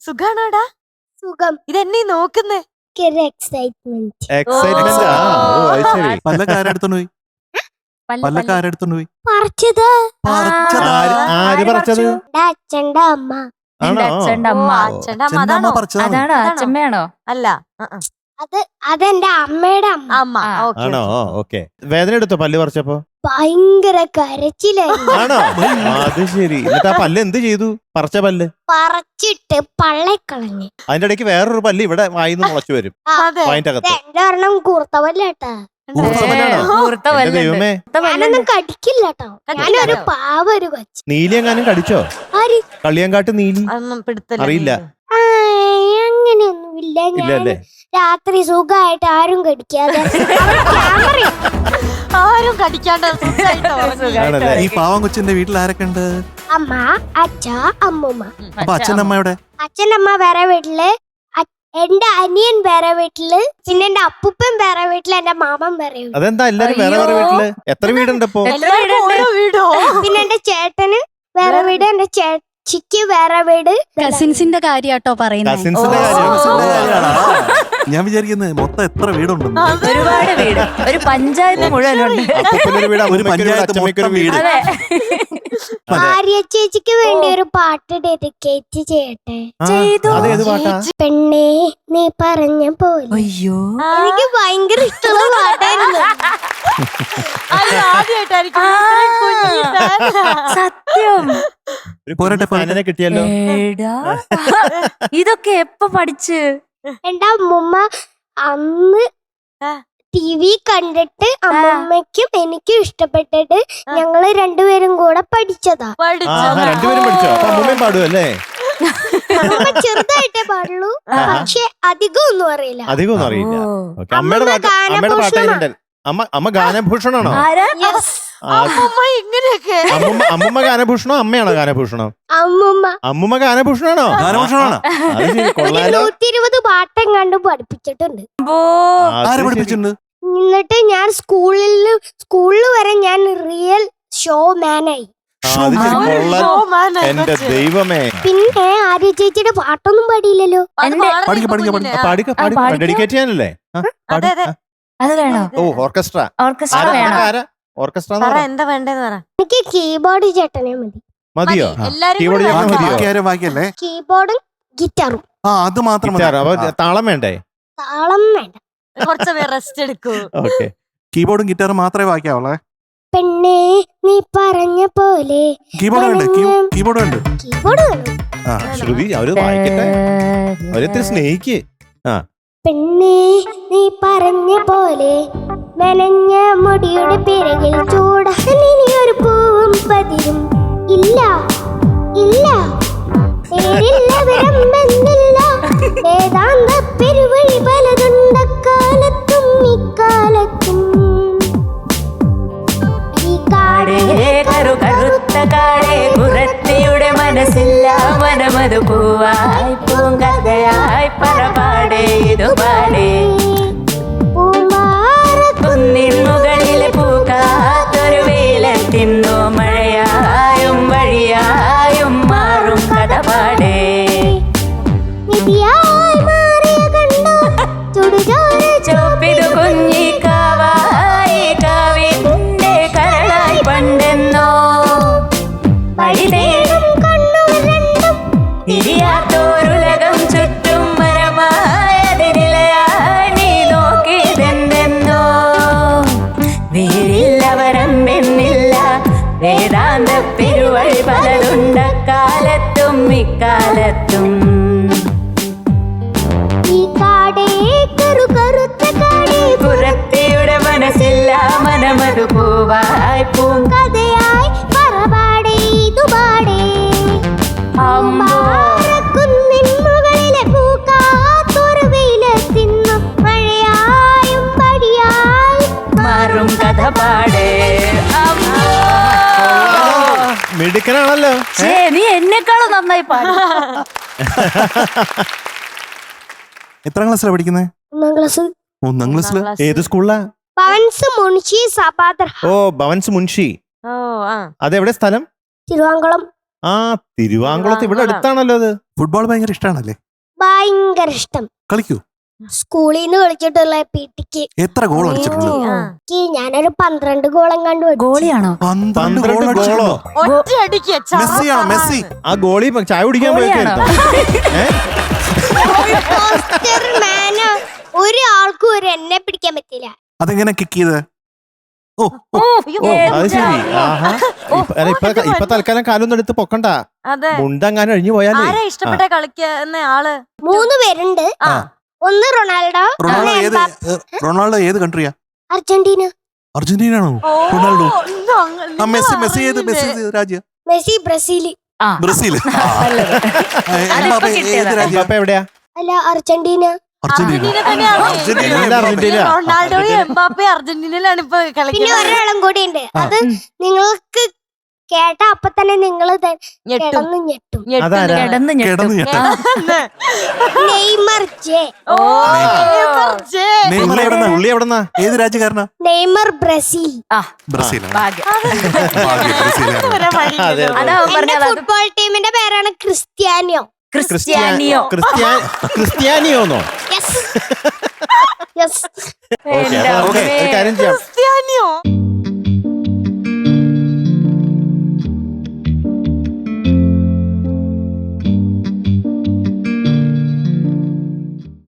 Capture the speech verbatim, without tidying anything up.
സുഖാണോടാ? സുഖം. ഇതെന്നെ നോക്കുന്നേ? എക്സൈറ്റ്മെന്റ്. എക്സൈറ്റ്മെന്റ്. പല്ലക്കാരെടുത്തോണ്ട് പോയി പല്ലക്കാരെടുത്തോണ്ട് പോയി പറിച്ചത് ആര് പറിച്ചത്? അച്ഛന്റെ അമ്മ. അച്ഛന്റെ അമ്മ. അച്ഛന്റെ അമ്മ അതാണോ? അതാണോ അച്ഛമ്മയാണോ? അല്ല, അത് അതെന്റെ അമ്മയുടെ അമ്മ. അമ്മ. ആണോ? ഓക്കെ. വേദന എടുത്തോ പല്ല് പറിച്ചപ്പോ? ഭയങ്കര കരച്ചിലായിരുന്നു. ആണോ? അത് ശരി. എന്നിട്ട് ആ പല്ല് എന്ത് ചെയ്തു? പറിച്ച പല്ല് പറിച്ചിട്ട് പള്ളക്കളഞ്ഞ്. അതിന്റെ ഇടയ്ക്ക് വേറൊരു പല്ല് ഇവിടെ വായിന്ന് മുളച്ചു വരും. വായിന്റെ അകത്ത് എന്റെ ഒരെണ്ണം കൂർത്ത പല്ലേട്ടാ. ദൈവമേ, ഞാനൊന്നും കടിക്കില്ല കേട്ടോ. ഞാനൊരു പാവ ഒരു കൊച്ചു. നീലി എങ്ങാനും കടിച്ചോ? ആര്? കളിയങ്കാട്ട് നീലി അറിയില്ല. അങ്ങനെയൊന്നും ഇല്ല. ഞാൻ രാത്രി സുഖമായിട്ട് ആരും കടിക്കാതെ ആരും കടിക്കാണ്ട് ഈ പാവം കൊച്ചിന്റെ വീട്ടിൽ ആരൊക്കെ ഉണ്ട്? അമ്മ, അച്ഛ, അമ്മൂമ്മ. അപ്പൊ അച്ഛനമ്മയുടെ അച്ഛനമ്മ വേറെ വീട്ടില്, എന്റെ അനിയൻ വേറെ വീട്ടില്, പിന്നെ എന്റെ അപ്പൂപ്പൻ വേറെ വീട്ടില്, എന്റെ മാമൻ വേറെ വീട്ടില്. അതെന്താ എല്ലാരും വേറെ വേറെ വീട്ടില്? എത്ര വീടുണ്ട് ഇപ്പൊ? പിന്നെ എന്റെ ചേട്ടന് വേറെ വീട്, എന്റെ ചേച്ചിക്ക് വേറെ വീട്. കസിൻസിന്റെ കാര്യാട്ടോ പറയുന്നത്. കസിൻസിന്റെ കാര്യം ഞാൻ വിചാരിക്കുന്നത് മൊത്തം എത്ര വീടുണ്ടെന്ന്. ഒരുപാട് വീട്, ഒരു പഞ്ചായത്ത് മുഴുവനുണ്ട്. ഒരു പഞ്ചായത്ത് മൊത്തം വീട്. ഭാര്യ ചേച്ചിക്ക് വേണ്ടി ഒരു പാട്ട് ഡെഡിക്കേറ്റ് ചെയ്യട്ടെ? അതേത് പാട്ടാ? പെണ്ണേ നീ പറഞ്ഞ പോലെ. അയ്യോ, എനിക്ക് ഭയങ്കര ഇഷ്ടമുള്ള പാട്ടായിരുന്നു. സത്യം. പോരട്ടെ കിട്ടിയല്ലോ. ഇതൊക്കെ എപ്പോ പഠിച്ച്? എന്റെ അമ്മൂമ്മ അന്ന് ടി വി കണ്ടിട്ട് അമ്മൂമ്മയ്ക്കും എനിക്കും ഇഷ്ടപ്പെട്ടിട്ട് ഞങ്ങള് രണ്ടുപേരും കൂടെ പഠിച്ചതാ. രണ്ടുപേരും പഠിച്ചോ? അപ്പൊ അമ്മൂമ്മയും പാടുമല്ലേ? അമ്മൂമ്മ ചെറുതായിട്ടേ പാടുള്ളൂ, പക്ഷെ അധികം ഒന്നും അറിയില്ല. അധികം ഒന്നും അറിയില്ല. അമ്മയുടെ പാട്ട്, അമ്മയുടെ പാട്ട് അമ്മ അമ്മ ഗാനഭൂഷണാണോ? അമ്മൂമ്മ ഗാനഭൂഷണോ അമ്മയാണോ ഗാനഭൂഷണോ? അമ്മൂമ്മ. അമ്മൂമ്മ ഗാനഭൂഷണാണോ? ഗാനഭൂഷണാണോ? നൂറ്റി ഇരുപത് പാട്ടും കണ്ടു പഠിപ്പിച്ചിട്ടുണ്ട്. ആരെ പഠിപ്പിച്ചിട്ടുണ്ട്? എന്നിട്ട് ഞാൻ സ്കൂളിൽ സ്കൂളിൽ വരെ ഞാൻ റിയൽ ഷോ മാനായി. എന്റെ ദൈവമേ. പിന്നെ ആര്യ ചേച്ചിയുടെ പാട്ടൊന്നും പാടിയില്ലല്ലോ. ഡെഡിക്കേറ്റ് ചെയ്യാനല്ലേ? അത് വേണോ? ഓ, ഓർക്കസ്ട്ര. ഓർക്കസ്ട്ര വേണോ? ഓർക്കസ്ട്ര എന്താ വേണ്ടേന്ന് പറ. എനിക്ക് കീബോർഡ് ചേട്ടനെ മതി. മതിയോ? കീബോർഡും ഗിറ്റാറും. ആ, അത് മാത്രം. താളം വേണ്ടേ? താളം വേണ്ട. കുറച്ച് റെസ്റ്റ് എടുക്കൂ. ഓക്കെ. കീബോർഡും ഗിറ്റാറും മാത്രമേ ബാക്കിയാവുള്ളേ. പെണ്ണേ നീ പറഞ്ഞ പോലെ. കീബോർഡ് ഉണ്ട്, കീബോർഡ് ഉണ്ട്. കീബോർഡ് വേണം. ശ്രുതി അവര് വായിക്കട്ടെ, അവരത്തിരി സ്നേഹിക്ക്. ആ. പെണ്ണേ നീ പറഞ്ഞ പോലെ നനഞ്ഞ മുടിയുടെ പിറകിൽ ചൂടാനിയൊരു പൂവും പതിരും ഇല്ല ഇല്ല, പേരില്ല വിരമ്പെന്നില്ല, വേദാന്ത പെരുവഴി പലതുണ്ടക്കാലത്തും ഇക്കാലത്തും. ഈ കാടേ കറുത്ത കാടേ കുറത്തിയുടെ മനസ്സില്ല മനമതു പൂവായി പൂങ്കഥയായി പറപാടേ ഇതുപാടേ. കുന്നിൻ മുകളിലെ പൂക്കാത്തൊരു വെയിലത്തിന്നു മഴയായും വഴിയായും മാറും കഥ പാടേ. ചോപ്പിതു കുഞ്ഞിക്കാവായി കാവിന്റെ കരളായി പണ്ടെന്നോ വഴിതേടും കണ്ണുകൾ രണ്ടും തിരിയാത്തോരുലകം ചുറ്റും മരമായതിനിലയായി നീ നോക്കിയതെന്തെന്നോ. വേരില്ല വരമ്പെന്നില്ല, വേദാന്ത പെരുവഴി പലതുണ്ടക്കാലത്തും ഇക്കാലത്തും. ഈ കാടേ കറു കറുത്ത കാടേ പുറത്തിയുടെ മനസ്സില്ല മനമതു പൂവായി പൂങ്കഥയായി പറപാടേ ഇതുപാടേ. കുന്നിൻ മുകളിലെ പൂക്കാത്തൊരു വെയിലത്തിന്നു മഴയായും പടിയായി മാറും കഥ പാടേ. മിടുക്കനാണല്ലോ. നീ എന്നെക്കാളും നന്നായി പാടും. എത്രാം ക്ലാസ്സിലാണ് പഠിക്കുന്നത്? ഒന്നാം ക്ലാസ്. ഒന്നാം ക്ലാസ്സില്. ഏത് സ്കൂളിലാ? ഭവൻസ് മുൻഷി സഭാദർ. ഓ, ഭവൻസ് മുൻഷി. ഓ, ആ. അതെവിടെ സ്ഥലം? തിരുവാങ്കുളം. ആ തിരുവാങ്കുളത്ത് ഇവിടെ അടുത്താണല്ലോ അത്. ഫുട്ബോൾ ഭയങ്കര ഇഷ്ടമാണല്ലേ? ഭയങ്കര ഇഷ്ടം. കളിക്കൂ? സ്കൂളിൽ നിന്ന് കളിച്ചിട്ടുള്ള പീട്ടിക്ക് എത്ര ഗോൾ അടിച്ചിട്ടുണ്ട്? എനിക്ക് ഞാനൊരു പന്ത്രണ്ട് ഗോളം കണ്ടു. ഗോളിയാണോ? പന്ത്രണ്ട് ഗോൾ പന്ത്രണ്ട് ഗോളോ? അടിച്ചിട്ടുണ്ടോ? ഒറ്റ അടിക്ക് മെസ്സിയാണോ? മെസ്സി ആ ഗോളി ചായ കുടിക്കാൻ പോയിക്കായിരുന്നു. ഒരു ആൾക്കും ഒരു എന്നെ പിടിക്കാൻ പറ്റില്ല. അതെങ്ങനെ കിക്ക് ചെയ്ത്? ഓ ഓ, ഓ അത് ശരി. ആഹാ ഇപ്പൊ അല്ല, ഇപ്പൊ ഇപ്പൊ തൽക്കാലം കാലൊന്നും എടുത്ത് പൊക്കണ്ട. അതെ. മുണ്ടങ്ങാനും അഴിഞ്ഞു പോയാലേ. ആരാ ഇഷ്ടപ്പെട്ട കളിക്കുന്ന ആള്? മൂന്ന് പേരുണ്ട്. ആ. ഒന്ന് റൊണാൾഡോ, റൊണാൾഡോ ഒന്ന് ഏത് എംബാപ്പെ. ഏ, റൊണാൾഡോ ഏത് കൺട്രിയാ? അർജന്റീന. അർജന്റീന ആണോ? ഓ, റൊണാൾഡോ. ഇന്ന് അങ്ങ് ആ മെസ്സി നിങ്ങൾ മെസ്സി ഏത് മെസ്സി അറിഞ്ഞില്ലേ? ഏത് രാജ്യം? Messi Brazil. ആ ബ്രസീൽ. നല്ലത്. എംബാപ്പെ ഏത് കിട്ടിയതാ. രാജ്യം? എംബാപ്പെ എവിടെയാ? അല്ല അർജന്റീന. അർജന്റീന. അർജന്റീന തന്നെയാണ്. അർജന്റീന. എല്ലാം അർജന്റീന. റൊണാൾഡോയും എംബാപ്പെ അർജന്റീനയിലാണ് ഇപ്പൊ പിന്നെ കളിക്കുന്നത്. ഒരാളും കൂടി ഉണ്ട്. അത് നിങ്ങൾക്ക് കേട്ട അപ്പൊ തന്നെ നിങ്ങൾ ഞെട്ടും കിടന്ന് ഞെട്ടും. ഞെട്ടും. അതാരാ? കിടന്ന് കിടന്ന് ഞെട്ടും. ഞെട്ടാ. Neymar J. ഓ, നെയ്മർ ജെ. നെയ്മർ പുള്ളി എവിടെന്നാ? എവിടെന്നാ? പുള്ളി എവിടെന്നാ? ഏത് രാജ്യക്കാരനാ? Neymar Brazil. ആ ബ്രസീലാണ്. ഭാഗ്യം. ഭാഗ്യം, ബ്രസീലാണ്. വരെ വഴിയില്ലല്ലോ. അതെ, അതെ. അതാ അവൻ എന്റെ പറഞ്ഞത്. അത് ഫുട്ബോൾ ടീമിന്റെ പേരാണ് ക്രിസ്ത്യാനിയോ. ക്രിസ്ത്യാനിയോ. ക്രിസ്ത്യാ- ക്രിസ്ത്യാനിയോന്നോ? Yes yes. ഓക്കെ എന്റെ ഓക്കെ അമ്മേ. ഒരു കാര്യം ചെയ്യാം. ക്രിസ്ത്യാനിയോ?